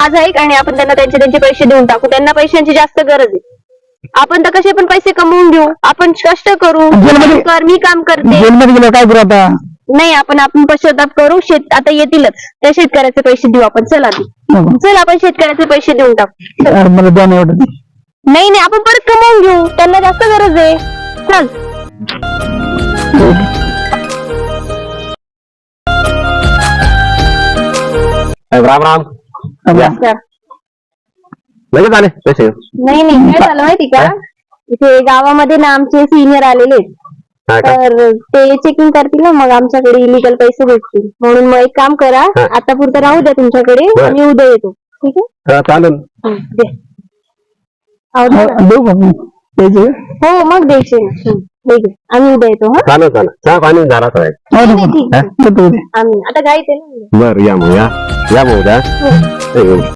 माझं ऐक आणि आपण त्यांना त्यांचे पैसे देऊन टाकू. त्यांना पैशांची जास्त गरज आहे. आपण तर कसे पण पैसे कमवून घेऊ. आपण कष्ट करू. मी काम करते. जेलमध्ये गेलो काय करू आता? नाही, आपण पश्चाताप करू. आता येतीलच त्या शेतकऱ्याचे पैसे देऊ आपण. चल आधी चल, आपण शेतकऱ्याचे पैसे देऊन टाकू. मला द्या नाही एवढं. नाही नाही, आपण परत कमवून घेऊ. त्यांना जास्त गरज आहे. चल. राम राम. लगेच आले पैसे? नाही नाही, काय झालं माहिती का, इथे गावामध्ये ना आमचे सिनियर आलेले आहेत. तर ते चेकिंग करतील ना, मग आमच्याकडे इलिगल पैसे भेटतील. म्हणून मग एक काम करा, आता पुरतं राहू द्या तुमच्याकडे. मी उद्या येतो. ठीक आहे, चालेल. देऊ का पैसे? हो मग द्यायचे. आम्ही उद्या येतो. हा चालेल चालेल. चहा पाणी झाला काय? ठीक आहे. आम्ही आता गाईत आहे ना. बर, या मग या मग उद्या.